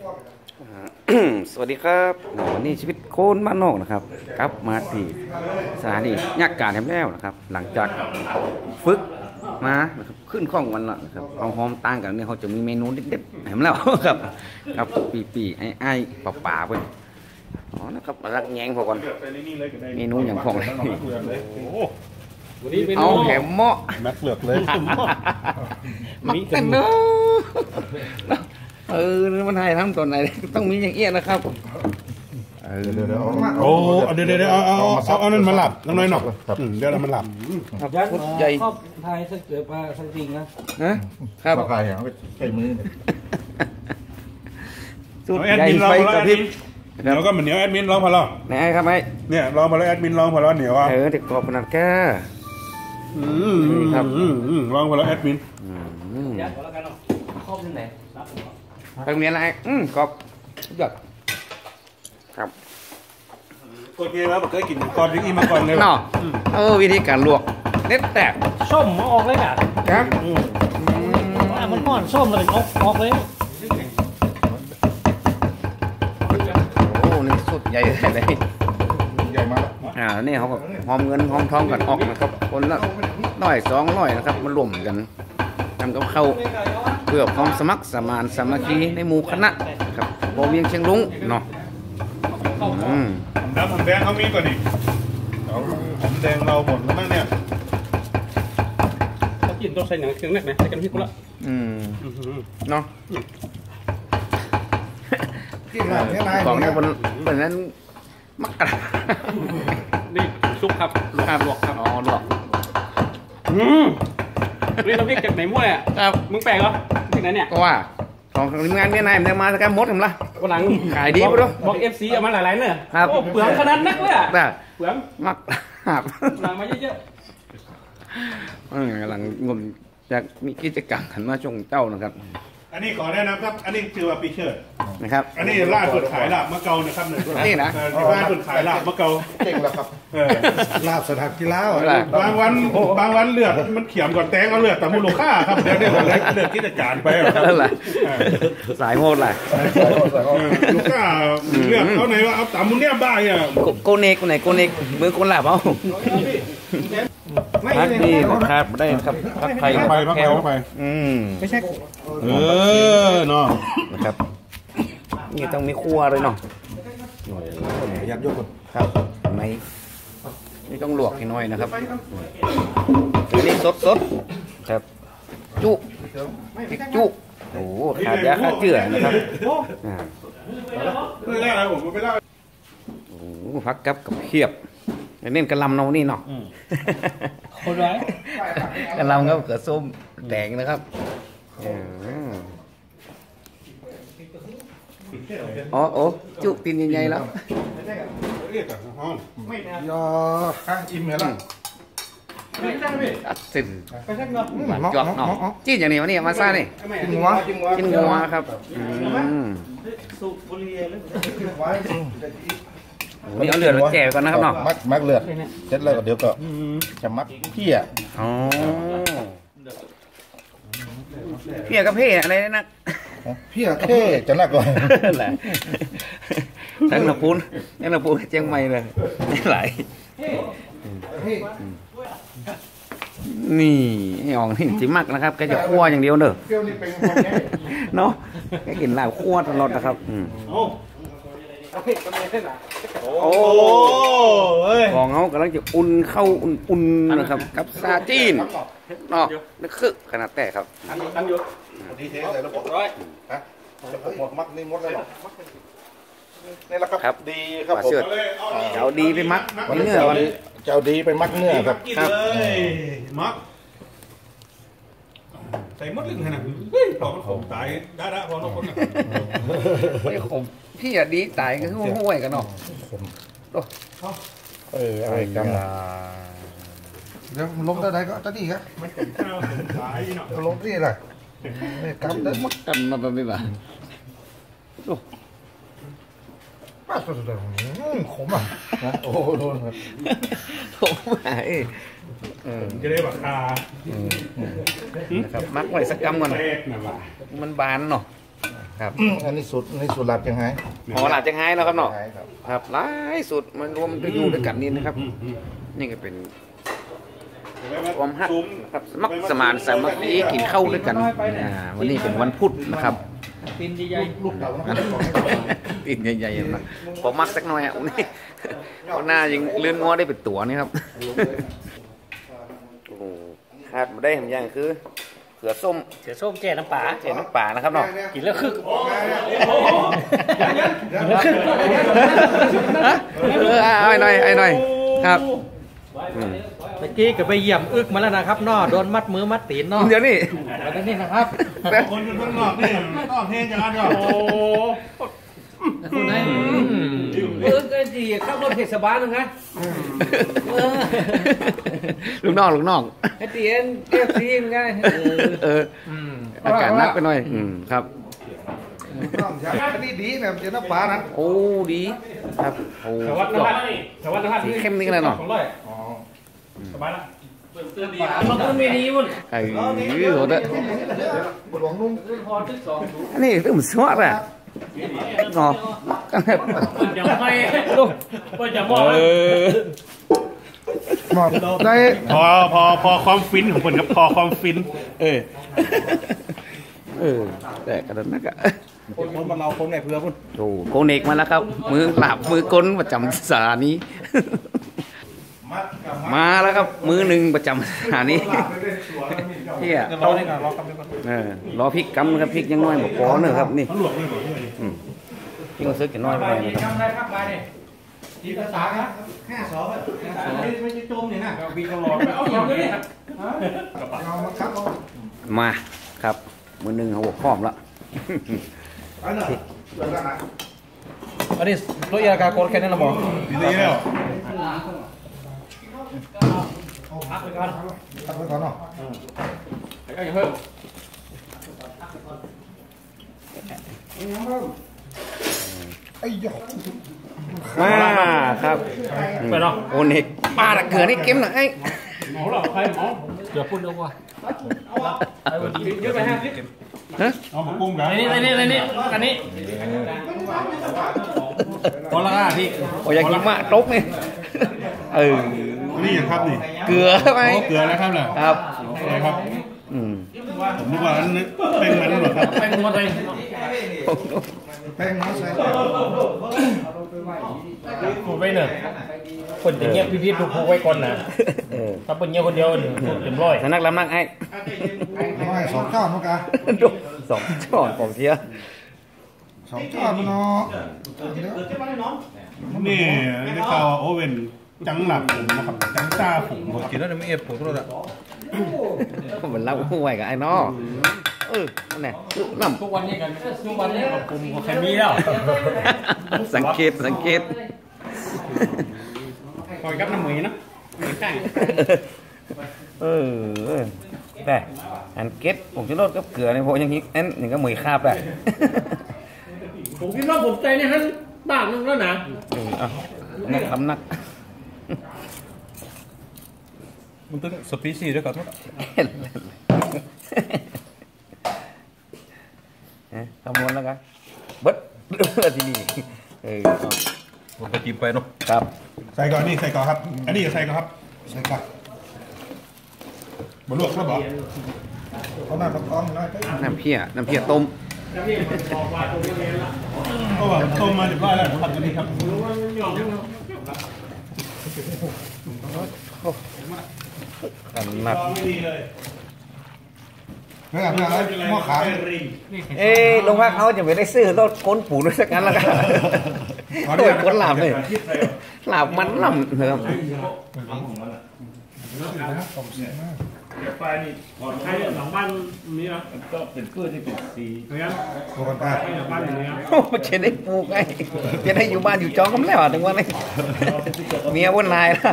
สวัสดีครับวันนี้ชีวิตโคนบ้านนอกนะครับกลับมาที่สถานียักษ์การแถมแล้วนะครับหลังจากฝึกมานะครับขึ้นข้องวันละนะครับเอาหอมต่างกันเนี่ยเขาจะมีเมนูเด็ดๆแถมแล้วครับครับปีไอ้ป่าเพื่อนอ๋อนะครับรักแยงพอก่อนเมนูอย่างพองเลยเอาแหมเหมาะแม็กเลือกเลยมักกันเนาะมันให้ทำตัวไหนต้องมีอย่างเอี้ยนะครับเดี๋ยวโอ้เดี๋ยวเอานั่นมาหลับน้อยหน่อยเดี๋ยวเรามันหลับยักษ์ใหญ่ไทยสักเกือบมาสักจริงนะครับปลาไข่เอาไปใช้มือสุดใหญ่ไฟกระพริบเดี๋ยวก็เหมือนเหนียวแอดมินร้องพอแล้วไหนครับไอ้เนี่ยร้องพอแล้วแอดมินร้องพอแล้วเหนียวอ่ะเด็กกรอบขนาดแก่ครับร้องพอแล้วแอดมินยักษ์แล้วกันเนาะครอบที่ไหนไปโรงเรียนอะไรกรอบยอดครับโอเคแล้วบอกเคยกินก่อนที่มาก่อนเลยเนาะวิธีการลวกเน็ตแตกส้มมาออกเลยอ่ะครับมันก้อนส้มเลยออกเลยโอ้นี่สุดใหญ่เลยใหญ่มากนี่เขาก็หอมเงินหอมทองกันออกนะครับคนละ100-200นะครับมารวมกันทำกับข้าวเพื่อความสมัครสมานสามัคคีในหมู่คณะครับโบเวียงเชียงรุ้งเนาะน้ำผมแดงเขามีก่อนดิผมแดงเราหมดแล้วมั้งเนี่ยเขากินต้องใส่หนังเครื่องแน่ไหมใส่กันพริกกูละเนาะของนี้บนนั้นมักกะนี่ซุปครับลวกครับอ๋อลวกนี่เราพริกจากไหนมั่วอ่ะครับมึงแปลกเหรอพริกไหนเนี่ยก็ว่าของทีมงานเนี่ยนายมันมาสักการมดผมละวันหลังขายดีไปด้วยบอกFCเอามาหลายๆเนี่ยครับเปลืองขนาดนักเลยอ่ะเปลืองมักหับหลังมาเยอะๆหลังงมจากมีกิจกรรมขันมาชงเจ้านะครับอันนี้ขอแนะนำครับอันนี้ชื่อว่าปีเชิดนะครับอันนี้ล่าสุดขายลาบมะเกานะครับนี่นะล่าสุดขายลาบมะเกาเก่งแล้วครับลาบสถานกีฬาบางวันเลือดมันเขียมก่อนแตงเอาเลือดแต่มูลค่าครับเดี๋ยวนี้เลือดกิจการไปครับสายโหดเลยลูกค้าเลือดเอาไหนว่าเอาตามมุนเนี่ยบ้าเนี่ยโกเนกไหนโกเนกมือคนหลับเอาพักดีนะครับได้ครับพักไทยพักแคลไปไม่ใช่เนาะนะครับนี่ต้องมีครัวเลยเนาะยัดยกคนครับในนี่ต้องลวกให้น้อยนะครับอันนี้สดครับจุพริกจุโอ้ขาดยาฆ่าเชื้อนะครับไม่ได้อะไรผมไม่ได้โอ้พักกับเขียบเน้นกระลำเนานี่เนาะคนร้ายกระลำก็เกิดส้มแดงนะครับโอ้จุตีนใหญ่ๆแล้วยออิ่มเหรออัดสินจอกเนาะจี้อย่างนี้วะนี่มาซ่านี่กินงัวครับนี่เอาเลือดมาแจกก่อนนะครับเนาะมักเลือดเสร็จแล้วเดี๋ยวก็จะมักเพี้ยเพี้ยกับเพ่อะไรนะเพี้ยเพ่จะนักกว่าแหละทั้งหน้าปูนเจียงใหม่เลยไหลนี่ให้ออกนี่จิมักนะครับแกจะคั่วอย่างเดียวเนอะเนาะแกกินลาบคั่วตลอดนะครับโอ้ของเขากำลังจะอุ่นเข้าอุ่นนะครับกับซาจีนเนาะนึกคือขนาดแต่ครับตั้งอยู่ดีเทใส่ระบบร้อยฮะหมดมัดนี่หมดเลยหรอนี่แหละครับดีครับผมเจ้าดีไปมักเนื้อวันเจ้าดีไปมักเนื้อครับมักใส่มดลึงขนาดพอมันขมตายได้พอน้องคนไม่ขมพี่อะดีตายก็คือห้วยกันเนาะอะไรกันเดี๋ยวล้มตัวใดก็ตัวนี้ครับมันเป็นข้าวตายเนาะล้มที่อะไรกำได้มัดกำมาเป็นแบบโอ้ป้าสุดเลยขมอ่ะโอ้โดนขมไหนจะได้แบบคานะครับมักไว้สักกำก่อนมันบานเนาะครับอันนี้สุดหลับยังไงพอหลับจังไห้แล้วครับเนาะครับครับหลายสุดมันรวมจะอยู่ด้วยกันนี่นะครับ นี่ก็เป็นความฮักนะครับสมัครสมานสามัคคีกินข้าวด้วยกันวันนี้เป็นวันพุธนะครับปีนใหญ่ลูกเต่านะตีนใหญ่ๆนะพอมักสักหน่อยอ่ะนี่เอาหน้ายังเลื่อนง้อได้เป็นตัวนี่ครับโอ้โหขาดมาได้ทำอย่างคือเขือส้มๆเสือส้มแจ่น้ำปลาเจน้ำป่านะครับเนาะกินแล้วคึกไอ้หน่อยครับเมื่อกี้ก็ไปเยี่ยมอึกมาแล้วนะครับนอโดนมัดมือมัดตีนนอเดี๋ยวนี้แล้วนี่นะครับคนอยู่ข้างนอกนี่ต้องเฮจังกันก็โอ้คุณนายก็ดีขับรถเทศบาลนะครับลูกน้องไอ้เตียนเอฟซีนไงอากาศนักไปหน่อยครับอันนี้ดีนะเจ้าน้ำปลานะโอ้ดีครับโอ้สวัสดีครับเข้มนี่กันเลยเนาะสบายละมันก็ไม่ดีมั้งไอ้โหดบทหลวงนุ่งอันนี้ตื่นสวดอ่ะงอกันแบบอย่าให้ลูกอย่ามองหมอบได้พอความฟินของคนครับพอความฟินแต่กระนั้นนักอะคนมันเราคนไหนเพื่อพุ่นโอ้โกเนกมาแล้วครับมือหลับมือกลประจำสถานีมาแล้วครับมือหนึ่งประจำสถานีเฮียรอได้ก่อนรอกำลังก่อนรอพริกกำนะครับพริกยังน้อยบอกพอเนอะครับนี่เขาหลวกเลยหมดเลยพริกมันซื้อกินน้อยไปหน่อยนะครับทำได้ครับไปเนี่ยทีภาษาครับ52ไม่ใช่โจมเนี่ยนะวีตลอดเอาอย่างนี้เอามาครับเอามาครับมือหนึ่งเขาบอกพร้อมแล้วไปหน่อยเดี๋ยวนะอันนี้ตัวยากาโกนแค่นั้นละหมอดีแล้วพักไปก่อนตัดไว้ก่อนเนาะก็อย่าเพิ่มไอ้ยอมาครับไปเนาะโอเนกปลาตะเกือนี่เก็มหน่อยไอ้หมอหรอใครหมอเดี๋ยวพูดเร็วกว่าเยอะไป5คลิปฮะเอามาปรุงกันอันนี้อันนี้พอละพี่โอ้ยอยากกินมากตกนี่นี่อย่างครับนี่เกลือไหมเกลือแล้วครับเหรอครับอะไรครับ ผมนึกว่าอันนี้เป็นมันหรอครับเป็นหมดเลยแป้งน้อยใส่กูไปเนอะคนจะเงียบพี่ๆดูผูไว้ก่อนนะถ้าเป็นเงียบคนเดียวเต็มร้อยสนักลำนักไอ้น้อย2 ก้อนมั้งกะดูสองช้อนของเสีย 2 ก้อนมันเนาะนี่ได้ข่าวว่าโอเว่นจังหลับผมนะครับจังจ้าผมกินแล้วไม่เอ็ดผมก็ได้ก็เหมือนเล่าห่วยกับไอ้นอนั่นแหละน้ำทุกวันนี้กันทุกวันนี้กลุ่มของใครมีแล้วสังเกตคอยกับน้ำหมีนะหมีข้างแต่อันเก็ตผมจะลดกับเกลือในพวกอย่างนี้อันนี่ก็หมวยคาบได้ผมคิดว่าผมใจในฮันบ้างนึงแล้วนะนักลำนักมันต้องสปีชีส์ด้วยก่อนทุกคำนวณแล้วกันเบิดทีนี้ผมก็จิ้มไปเนาะครับใส่ก่อนนี่ใส่ก่อนครับ อันนี้ใส่ก่อนครับใส่กับบลวกแล้วบอกเขาหน้าประกอบหน่อยน้ำเพี้ยต้มก็ว่าต้มมาเรียบร้อยแล้วผัดกันดีครับกันหนักเพื่อนอะไรหม้อขาวลงพักเขาจะไม่ได้ซื้อรถก้นปูด้วยสักกันแล้วกันโดยก้นหลาบเลยหลาบมันลำนะครับไฟนี่ใครหลังบ้านนี้นะก็เป็นพืชที่เป็นสีงั้นโคกันตาให้หลังบ้านอย่างนี้โอ้จะได้ปลูกไงจะได้อยู่บ้านอยู่จองกันแล้วถึงวันนี้เมียวันนายนะ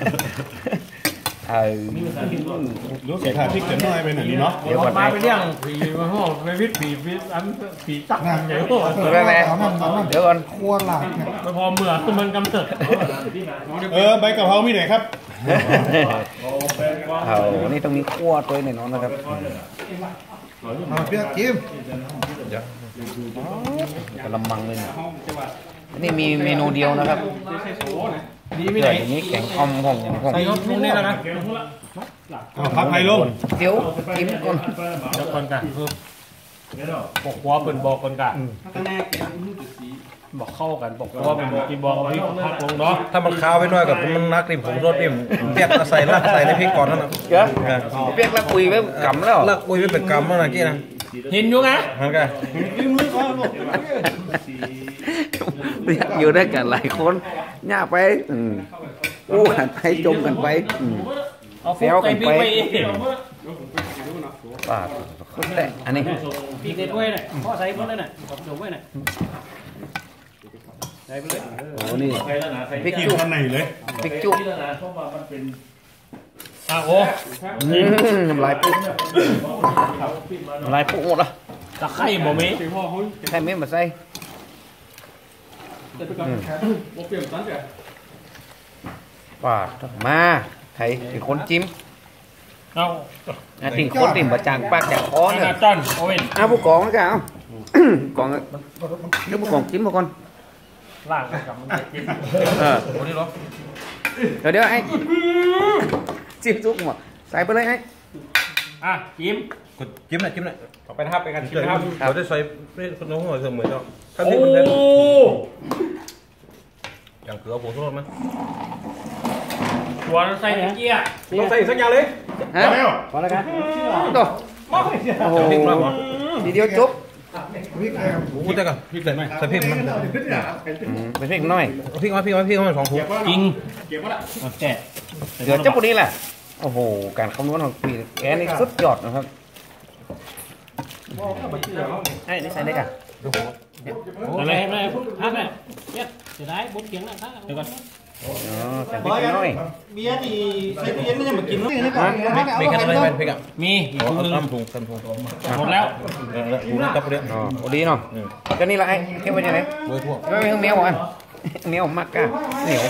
รู้สึกว่าพริกจะน้อยไปหน่อยนี่เนาะเดี๋ยวมาไปเรื่องผีมาห้องไปวิทย์ผีอันผีตักใหญ่โตเดี๋ยวก่อนครัวหลักเนี่ยไม่พอเมื่อคือมันกำเนิดใบกะเพรามีไหนครับเอานี่ต้องมีขั้วตัวหน่อยน้องนะครับมาเปียกจิ้มกระมังเลยนี่มีเมนูเดียวนะครับนี่ไม่ไหนนี้แกงอ่อมของใส่รสนุ่มนี่แล้วนะพักไผ่ลงเดี๋ยวกินก่อนเดี๋ยวก่อนกันบอกว่าเป็นบอกก่อนกันบอกเข้ากันบอกว่าเป็นกินบอกเอาพริกพักลงเนาะถ้ามันคาวไปหน่อยกับมันนักริมผมรสนี่เปียกใส่ละใส่ในพริกก่อนนั่นนะเดี๋ยวเปียกละคุยไว้กำแล้วละอุ้ยไม่เป็นกรรมแล้วนะกี้นะเห็นอยู่ไงมันก็เรียกอยู่ด้วยกันหลายคนย่าไปอู้กันไปจมกันไปเอาฟุกใส่พริกไปเองปาดคนแหละอันนี้พริกในถ้วยน่ะพ่อใส่หมดเลยน่ะผมจมไว้น่ะใส่ไปเลยโอ้นี่พริกกินจุ๊ข้างในเลยพริกจุ๊โอ้น้ำลายปุ๊บน้ำลายปุ๊บหมดละตะไคร้บ่มีใช่ไหมมาใส่ปาดมาใครเป็นคนจิ้มเอาติ่งคนติ่งบะจางปากจากคอขเนี่ยนาดต้นโอ้ยผู้กองนะจ๊ะกองเดี๋ยวผู้กองจิ้มมาก่อนล่างกับมันจะกินโอ้นี่เหรอเดี๋ยวไอ้จิ้มซุกหมดใส่ไปเลยไอ้จิ้มกดจิ้มหน่อยจิ้มหน่อยต่อไปนะครับไปกันจิ้มนะครับเราได้ใส่ไม่คนน้องหัวเสมอเนาะถ้าโอ้พริกมันเผ็ดอย่างเกลือผงชูรสไหมหัวใส่เกี๊ยต้องใส่สักอย่างเลยฮะพอแล้วกันต่อโอ้โหทีเดียวจบพูดได้กันพริกใส่ไหมใส่พริกมันเป็นพริกน้อยพริกมาสองถุงจริงโอเคเดี๋ยวเจ้าปุนี้แหละโอ้โหการคำนวณของปีแกนี่สุดยอดนะครับไอ้นี่ใส่ได้กันอะไรอะไรพักเลยเนี่ยจะได้บุญเกียงนะเดี๋ยวก่อนอ๋อใส่พริกน้อยเบียร์ที่ใส่ตู้เย็นไม่ใช่มากินแล้วพริกกันอะไรพริกอ่ะมีอีกถุงนึงตำถุงตำถุงหมดแล้วถุงตับเรียบอ๋อโอ้ดีเนาะก็นี่ละไอ้เก็บไว้ยังไงโดยทั่วไม่เหนียวอ่ะเหนียวมากกะเหนียว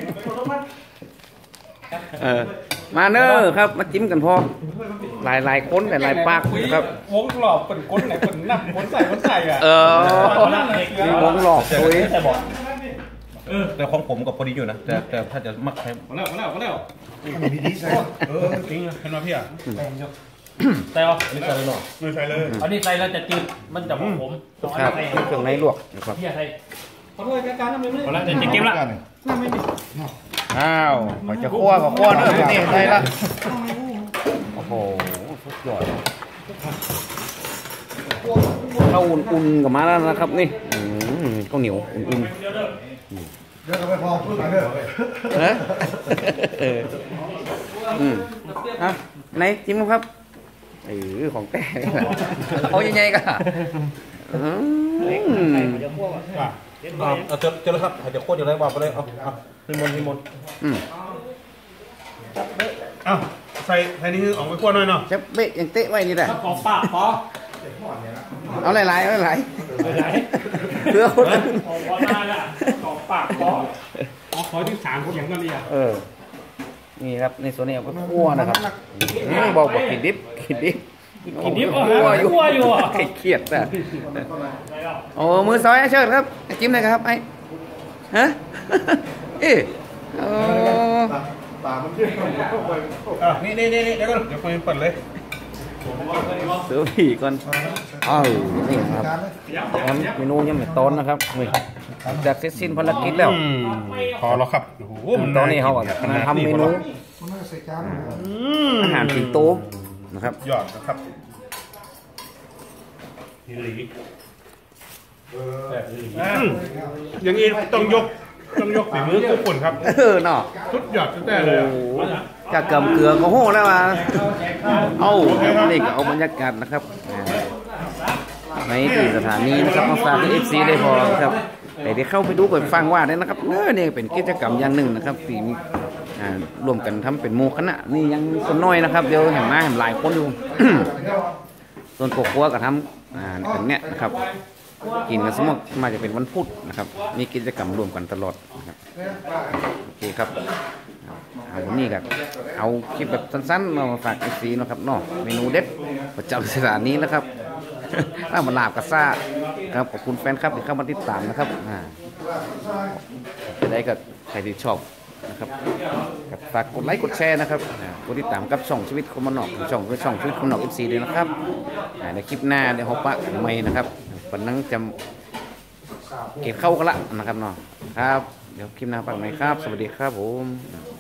มาเนอครับมาจิ้มกันพอหลายคนแต่หลายปากนะครับวงหลอกเป็นก้นไหนเป็นนับก้นใส่อ่ะมีวงหลอกคุยแต่บอกแต่ของผมกับพอดีอยู่นะแต่ถ้าจะมักใช้มาแล้วจริงเห็นไหมพี่อ่ะแต่ว่าอันนี้ใส่เลยเนาะไม่ใช่เลยอันนี้ใส่แล้วจะจืดมันจะผมครับเครื่องในลวกนะครับพี่ใส่ขอโทษการน้ำเลยพอแล้วจะเก็บละอ้าวพอจะคั่วก็คั่วเนอะนี่ได้ละโอ้โหสุดยอดข้าวอุ่นๆกับมาแล้วนะครับนี่ข้าวเหนียวอุ่นๆเดี๋ยวก็ไปพอพูดกันเถอะฮะอ่ะไหนจิ้มครับของแต่นี่แหละเอาใหญ่ๆก็เอาเจอแล้วครับเดี๋ยวโคตรอยู่ไรว่าไปเลยเอานิมนต์อ้าวใส่นี่คือออกไปคั่วหน่อยเนาะจะเบะยังเตะไว้นี่แหละขอปากขอเอาหลายๆเพื่อคนขอมาละขอปากขอที่3คนอย่างนั้นเลยอ่ะนี่ครับในส่วนนี้เอาไปคั่วนะครับบอกกินดิบคั่วอยู่เครียดแต่โอ้มือซอยเชิญครับจิ้มเลยครับไอ้ฮะตามันเยอะนี่เดี๋ยวก่อนเดี๋ยวคุยเปิดเลยเสือผีก่อนนี่ครับเมนูยังไม่ต้นนะครับนี่จากเสร็จสิ้นภารกิจแล้วพอแล้วครับโอ้โหตอนนี้เขากำลังทำเมนูมันน่าใส่จานอาหารสิงโตนะครับยอดนะครับนี่หลีอย่างนี้ต้องยกฝีมือทุกคนครับเนาะสุดยอดตั้งแต่เลยจากเกำเกลือก็โหแล้วมานี่ก็เอาบรรยากาศนะครับในที่สถานีนะครับมาฝากที่FCได้พอครับแต่ที่เข้าไปดูก่อนฟังว่าเนี่ยนะครับนี่เป็นกิจกรรมอย่างหนึ่งนะครับที่รวมกันทำเป็นหมู่คณะนี่ยังคนน้อยนะครับเดี๋ยวเห็นหลายคนอยู่ ส่วนกบกัวก็ทำกันเนี่ยนะครับกินกันสมมติมาจะเป็นวันพุธนะครับมีกิจกรรมรวมกันตลอดนะครับโอเคครับวันนี้ก็เอาคลิปแบบสั้นๆมาฝากFCเนาะครับเนาะเมนูเด็ดประจำสถานนี้นะครับ ถ้ามาลาบกระซ่าครับขอบคุณแฟนครับที่เข้ามาติดตามนะครับจะได้กับใครที่ชอบนะครับฝากกดไลค์กดแชร์นะครับกดติดตามกับช่องชีวิตคนบ้านนอกช่องชีวิตคนบ้านนอก FC ด้วยนะครับในคลิปหน้าเดี๋ยวฮอปปะใหม่นะครับวันนั้นจะเก็บเข้ากันละนะครับเนาะครับเดี๋ยวคลิปหน้าปักใหม่ครับสวัสดีครับผม